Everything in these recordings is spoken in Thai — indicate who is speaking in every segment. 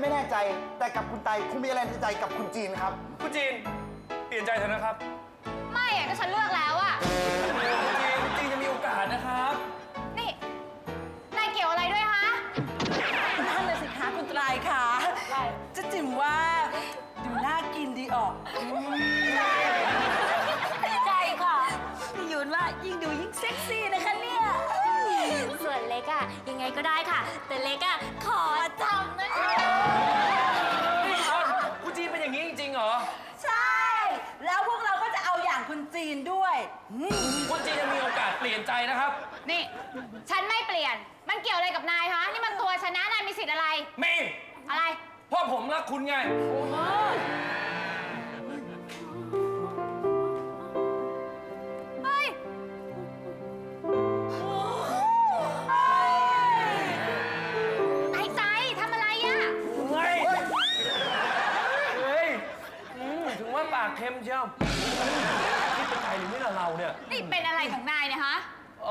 Speaker 1: แน่ใจแต่กับคุณไตคงมีอะไรในใจกับคุณจีนครับ
Speaker 2: คุณจีนเปลี่ยนใจเถอะนะครับ
Speaker 3: ไม่อะก็ฉันเลือกแล้วอะ
Speaker 2: คุณจีนยังมีโอกาสนะครับ
Speaker 3: นี่นายเกี่ยวอะไรด้วยคะ
Speaker 4: นั่นเลยสิคะคุณไตรค่ะจะจิ๋มว่าดูน่ากินดีออกใช่ค่ะพี่ยุนว่ายิ่งดูยิ่งเซ็กซี่นะคะเนี่ย
Speaker 3: ส่วนเล็กอะยังไงก็ได้ค่ะ แต่เล็กอะขอจำนะคะ
Speaker 2: คุณจีนเป็นอย่างนี้จริงๆเหรอ
Speaker 4: ใช่แล้วพวกเราก็จะเอาอย่างคุณจีนด้วย
Speaker 2: คุณจีนยังมีโอกาสเปลี่ยนใจนะครับ
Speaker 3: นี่ฉันไม่เปลี่ยนมันเกี่ยวอะไรกับนายคะนี่มันตัวชนะนายมีสิทธิ์อะไร
Speaker 2: มี
Speaker 3: อะไร
Speaker 2: เพราะผมรักคุณไง
Speaker 3: เฮ้ยไอ้ใจทำอะไรอะ
Speaker 2: เฮ้ยถึงว่าปากเค็มเชียวคิดเป็นใครหรือไม่ล่ะเราเนี่ย
Speaker 3: นี่เป็นอะไรของนายเนี่ยฮะ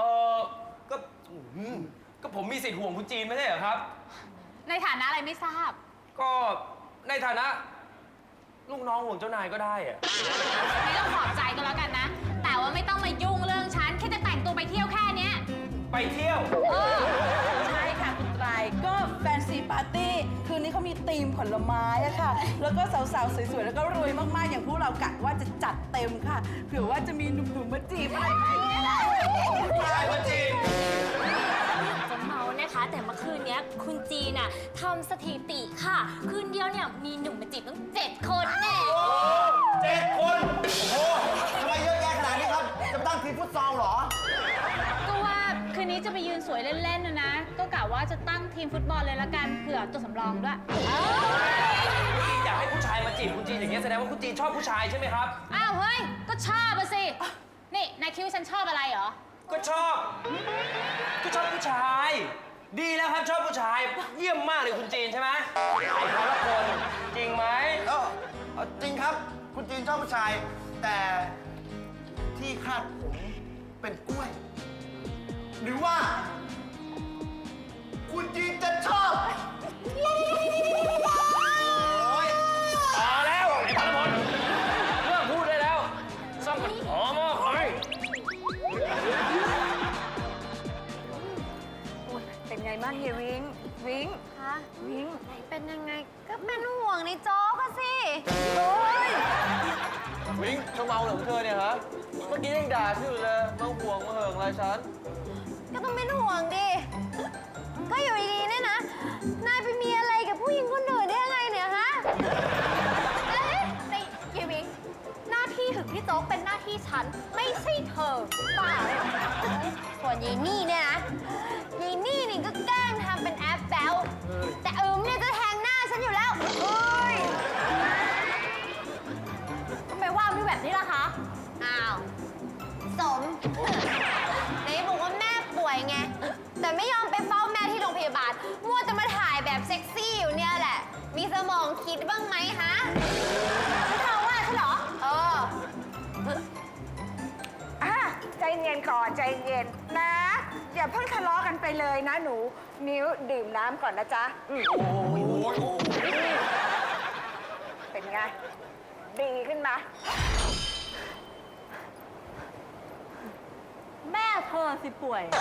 Speaker 2: ก็ผมมีสิทธิ์ห่วงคุณจีนไม่ใช่เหรอครับ
Speaker 3: ในฐานะอะไรไม่ทราบ
Speaker 2: ก็ในฐานะลูกน้องห่วงเจ้านายก็ได้อะ
Speaker 3: ไม่ต้องขอบใจก็แล้วกันนะแต่ว่าไม่ต้องมายุ่งเรื่องฉันแค่จะแต่งตัวไปเที่ยวแค่เนี้ย
Speaker 2: ไปเที่ยว
Speaker 4: ใช่ค่ะคุณไตรก็แฟนซีปาร์ตี้คืนนี้เขามีธีมผลไม้อะค่ะแล้วก็สาวๆสวยๆแล้วก็รวยมากๆอย่างพวกเรากะว่าจะจัดเต็มค่ะเผื่อว่าจะมีหนุ่มๆมาจีบอะไรอย่างเงี้ย
Speaker 2: ผู้ชายมาจีบ
Speaker 3: จะเมานะคะแต่เมื่อคืนนี้คุณจีน่ะทำสถิติค่ะคืนเดียวเนี่ยมีหนุ่มมาจีบตั้ง7 คนแน่
Speaker 2: 7 คน
Speaker 1: โอ้ทำไมเยอะแยะขนาดนี้ครับจะตั้งทีมฟุตซอลเหรอ
Speaker 3: ก็ว่าคืนนี้จะไปยืนสวยเล่นๆนะก็กะว่าจะตั้งทีมฟุตบอลเลยละกันเผื่อตัวสำรองด้วย
Speaker 2: คุณจีนอยากให้ผู้ชายมาจีบคุณจีนอย่างเงี้ยแสดงว่าคุณจีนชอบผู้ชายใช่ไหมครับ
Speaker 3: อ้าวเฮ้ยก็ชอบอะสินี่นายคิดว่าฉันชอบอะไรเหรอ
Speaker 2: ก็ชอบผู้ชายดีแล้วครับชอบผู้ชายเยี่ยมมากเลยคุณจีนใช่ไหมไอ้เขาละคนจริงไหม
Speaker 1: จริงครับคุณจีนชอบผู้ชายแต่ที่คาดผมเป็นกล้วยหรือว่าคุณจีนจะชอบ
Speaker 2: พอแล้วไอ้พลพลเลิกพูดได้แล้วซ่อมกันหอมหอย
Speaker 4: เป็นไงบ้างเฮียวิง
Speaker 3: คะ
Speaker 4: วิง
Speaker 3: เป็นยังไงก็เป็นห่วงในโจ๊กอะสิโอ้ย
Speaker 2: วิงจะเมาเหรอเธอเนี่ยฮะเมื่อกี้ยังด่าชื่อเลยมาห่วงมาเหิงอะไรฉัน
Speaker 3: ก็ต้องเป็นห่วงดิก็อยู่ดีๆเนี่ยนะนายไปมีอะไรกับผู้หญิงคนอื่นได้ยังไงเนี่ยฮะเอ๊ะในเฮียวิงหน้าที่ถึงพี่โจ๊กเป็นหน้าที่ฉันไม่ใช่เธอบ้าส่วนยายนี่เนี่ยนะยายนี่ก็แกล้งทำเป็นแอปแบลแต่เนี่ยจะแทงหน้าฉันอยู่แล้วเอ้ยทำไมว่าไม่แบบนี้ล่ะคะอ้าวสมไหนบอกว่าแม่ป่วยไงแต่ไม่ยอมไปเฝ้าแม่ที่โรงพยาบาลมัวจะมาถ่ายแบบเซ็กซี่อยู่เนี่ยแหละมีสมองคิดบ้างไหมฮะเธอว่าใช่เหรอ
Speaker 5: ใจเย็นก่อนใจเย็นนะอย่าเพิ่งทะเลาะกันไปเลยนะหนูนิ้วดื่มน้ำก่อนนะจ๊ะเป็นไงดีขึ้นมา
Speaker 4: แม่เธอสิป่วย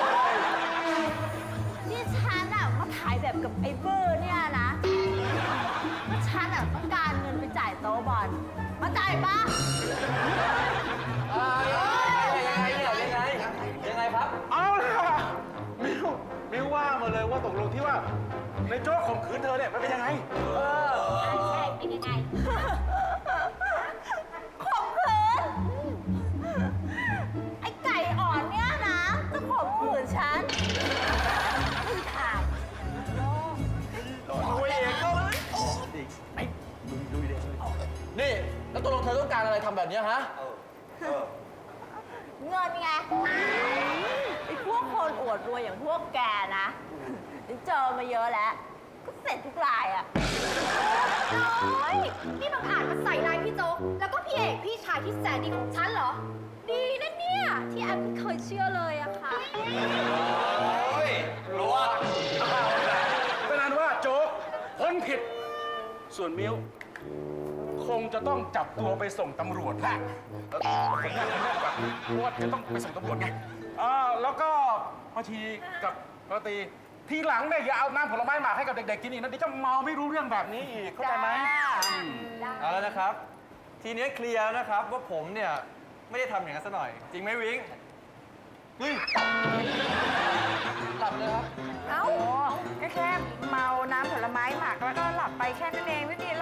Speaker 4: ที่ฉันอะมาถ่ายแบบกับไอ้เบอร์เนี่ยนะว่าฉันอะต้องการเงินไปจ่ายโต๊ะบอลมาจ่ายปะ
Speaker 2: ยังไงครับ
Speaker 6: เอาเลยค่ะมิวว่ามาเลยว่าตกลงที่ว่าในโจ๊กข่มขืนเธอเนี่ยมันเป็นยังไง
Speaker 3: ใช่เป็นยังไง
Speaker 4: ข่มขืนไอ้ไก่อ่อนเนี่ยนะจะข่มขืนฉันคือถ่าย
Speaker 2: ดูเองก็ไอ้ดูเองนี่แล้วตกลงเธอต้องการอะไรทำแบบนี้ฮะ
Speaker 4: เงินไงไอ้พวกคนอวดรวยอย่างพวกแกนะเจอมาเยอะแล้วก็เสร็จทุกรายอ่ะ
Speaker 3: น้อยนี่บังอาจมาใส่ร้ายพี่โจ๊กแล้วก็พี่เอกพี่ชายที่แสนดีของฉันเหรอดีนะเนี่ยที่แอปไม่เคยเชื่อเลยอะค่ะ
Speaker 2: โอ้ยรู้ว่า
Speaker 6: เป็นนั้นว่าโจ๊กคนมันผิด ส่วนมิ้วคงจะต้องจับตัวไปส่งตำรวจแหละผมอยากจะเลือกแบบเพราะว่าจะต้องไปส่งตำรวจไงแล้วก็พอทีกับปกติทีหลังเนี่ยอย่าเอาน้ำผลไม้หมากให้กับเด็กๆกินอีกนะเดี๋ยวจะเมาไม่รู้เรื่องแบบนี้อีกเข้าใจไหม
Speaker 7: เอาแล้วนะครับ ทีนี้เคลียร์นะครับว่าผมเนี่ยไม่ได้ทำอย่างนั้นซะหน่อย จริงไหมวิงเฮ้ยหลับเลยครับ
Speaker 5: เอ้าก็แค่เมาน้ำผลไม้หมักแล้วก็หลับไปแค่นั้นเองไม่มีอะไร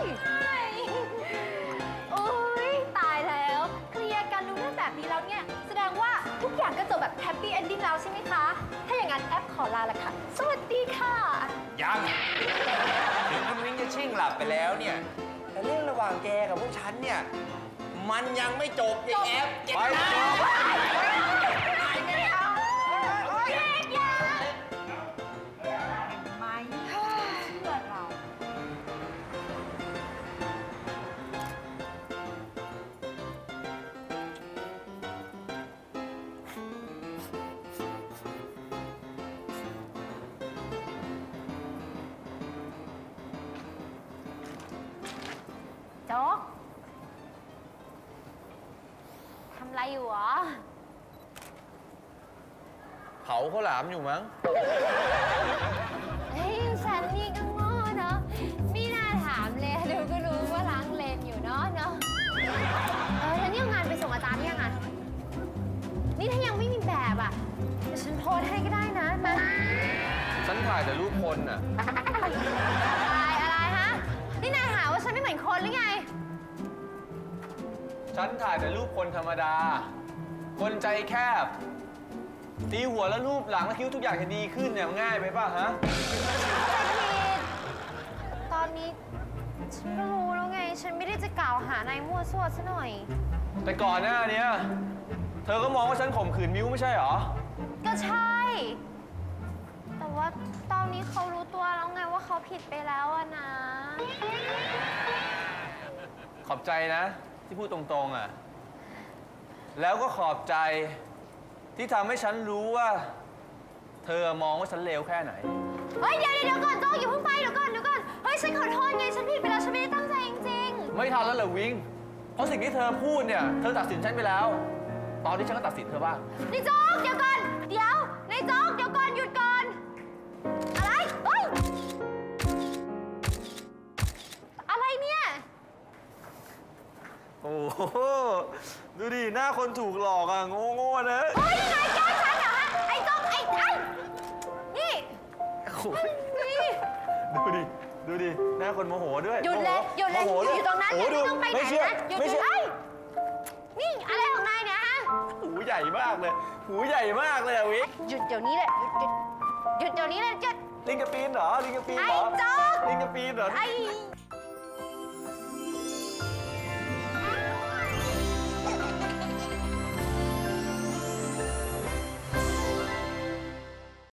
Speaker 3: โอ้ยตายแล้วเคลียร์กันรู้เรื่องแบบนี้แล้วเนี่ยแสดงว่าทุกอย่างก็จบแบบแฮปปี้เอนดิ้งแล้วใช่ไหมคะ ถ้าอย่างนั้นแอปขอลาละค่ะ สวัสดีค่ะ
Speaker 2: ยังถึงคุณวิ้งจะชิ่งหลับไปแล้วเนี่ย แต่เรื่องระหว่างแกกับพวกฉันเนี่ย มันยังไม่จบไอ้แอฟเจ็บนะ
Speaker 3: โจ๊กทำอะไรอยู่หรอ
Speaker 7: เผาข้าวหลามอยู่มั้ง
Speaker 3: เฮ้ยฉันนี่ก็โง่เนาะไม่น่าถามเลยดูก็รู้ว่าล้างเลนอยู่เนาะแล้วนี่เอางานไปส่งอาจารย์ยังไงนี่ถ้ายังไม่มีแบบอ่ะเดี๋ยวฉันโพสให้ก็ได้นะมา
Speaker 7: ฉันถ่ายแต่รูปคนน่ะ
Speaker 3: อะไรฮะ นี่นายหาว่าฉันไม่เหมือนคนหรือไง
Speaker 7: ฉันถ่ายแต่รูปคนธรรมดา คนใจแคบ ตีหัวแล้วรูปหลังแล้วคิดว่าทุกอย่างจะดีขึ้นเนี่ยง่ายไปป่ะฮะ
Speaker 3: ตอนนี้ฉันก็รู้แล้วไง ฉันไม่ได้จะกล่าวหานายมั่วซั่วซะหน่อย
Speaker 7: แต่ก่อนหน้าเนี้ยเธอก็มองว่าฉันข่มขืนมิ้วไม่ใช่เหรอ
Speaker 3: ก็ใช่ แต่ว่าตอนนี้เขารู้ตัวแล้วไงว่าเขาผิดไปแล้วอะนะ
Speaker 7: ขอบใจนะ ที่พูดตรงๆอ่ะ แล้วก็ขอบใจที่ทำให้ฉันรู้ว่า เธอมองว่าฉันเลวแค่ไหน
Speaker 3: เฮ้ยเดี๋ยวก่อนโจ๊กอย่าเพิ่งไปเดี๋ยวก่อนเฮ้ยฉันขอโทษไงฉันผิดไปแล้วฉันไม่ได้ตั้งใจจริง
Speaker 7: ไม่ทันแล้วเหรอวิง เพราะสิ่งที่เธอพูดเนี่ยเธอตัดสินฉันไปแล้ว ตอนนี้ฉันก็ตัดสินเธอบ้าง
Speaker 3: ๆนี่โจ๊กเดี๋ยวก่อนนายโจ๊กเดี๋ยวก่อนหยุดก่อน อะไรเฮ้ยอะไรเนี่ย
Speaker 7: โอ้โห ดูดิ หน้าคนถูกหลอกอ่ะ โง่ๆนะ
Speaker 3: เฮ้ยนายแกล้งฉันเหรอฮะไอ้โจ๊กไอ้นี่
Speaker 7: โอ้ย
Speaker 3: นี่
Speaker 7: ดูดิ หน้าคนโมโหด้วย
Speaker 3: หยุดเลย
Speaker 7: โมโหด้วย
Speaker 3: อยู่ตรงนั้น
Speaker 7: โอ้
Speaker 3: ไม่
Speaker 7: ดู
Speaker 3: ต้องไปไหน
Speaker 7: ไม่เชื่อ
Speaker 3: นะหยุด
Speaker 7: ไม่เชื่อ
Speaker 3: เอ้ยนี่อะไรของนายเนี่ยฮะ
Speaker 7: หูใหญ่มากเลย หูใหญ่มากเลยอะวิง
Speaker 3: หยุดเดี๋ยวนี้เลยหยุดเดี๋ยวนี้เลยหยุด
Speaker 7: ลิงกระปีนเหรอ ลิงกระปีนเหรอ
Speaker 3: ไอ้โจ๊ก
Speaker 7: ลิงกระปีนเหรอ
Speaker 3: ไอ้